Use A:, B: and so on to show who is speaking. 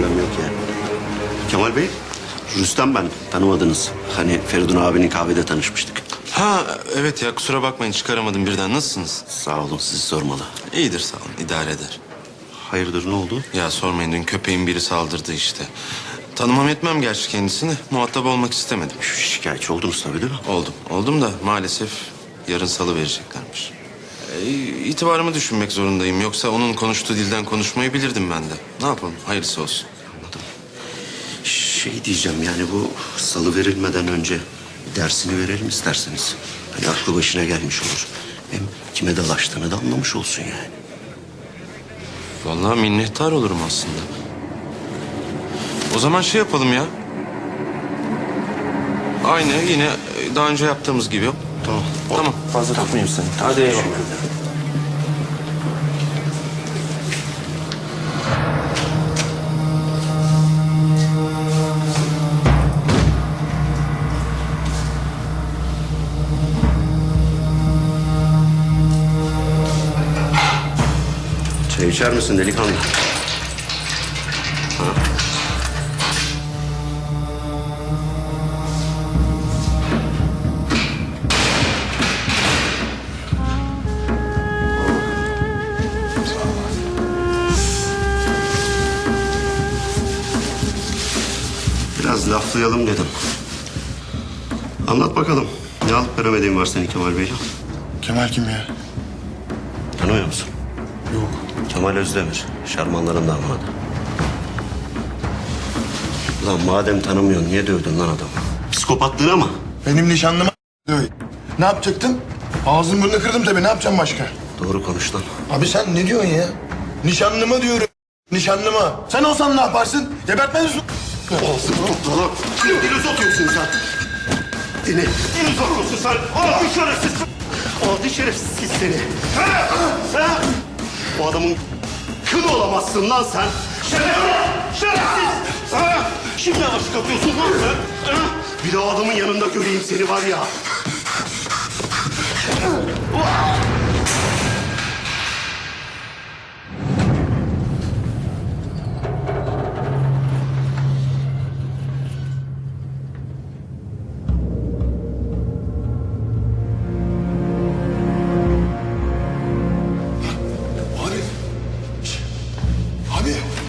A: problem yok yani. Kemal Bey, Rüstem ben. Tanımadınız. Hani Feridun abinin kahvede tanışmıştık.
B: Ha evet ya, kusura bakmayın çıkaramadım birden. Nasılsınız?
A: Sağ olun, sizi sormalı.
B: İyidir sağ olun, idare eder.
A: Hayırdır, ne oldu?
B: Ya sormayın, dün köpeğin biri saldırdı işte. Tanımam etmem gerçi kendisini. Muhatap olmak istemedim.
A: Şikayetçi oldunuz tabii değil mi?
B: Oldum da maalesef yarın salı vereceklermiş. İtibarımı düşünmek zorundayım. Yoksa onun konuştuğu dilden konuşmayı bilirdim ben de. Ne yapalım, hayırlısı olsun.
A: Anladım. Şey diyeceğim yani bu salı verilmeden önce dersini verelim isterseniz. Hani aklı başına gelmiş olur. Hem kime dalaştığını da anlamış olsun yani.
B: Vallahi minnettar olurum aslında. O zaman şey yapalım ya. Aynı yine daha önce yaptığımız gibi.
A: Tamam.
B: Tamam.
A: Fazla tutmayayım seni.
B: Hadi eyvallah.
A: Teşekkür ederim. Çay içer misin delikanlı? Ha? Biraz laflayalım dedim. Anlat bakalım. Ne alıp veremediğin var senin Kemal Beyciğim?
C: Kemal kim ya?
A: Tanımıyor musun?
C: Yok.
A: Kemal Özdemir. Şarmanların damadı. Lan madem tanımıyorsun niye dövdün lan adamı? Psikopatlığına mı?
C: Benim nişanlıma ne yapacaktım? Ağzını burnunu kırdım tabii. Ne yapacağım başka?
A: Doğru konuş lan.
C: Abi sen ne diyorsun ya? Nişanlıma diyorum. Nişanlıma. Sen olsan ne yaparsın? Gebertmez misin?
A: Ağzını topla lan. Dili sokuyorsun sen. Dili sokuyorsun sen. Adi şerefsiz. Adi şerefsiz seni. Ha? O adamın kılı olamazsın lan sen. Şerefsiz. Şerefsiz. Ha? Şimdi aşık atıyorsun lan sen. Ha? Bir de o adamın yanında göreyim seni var ya.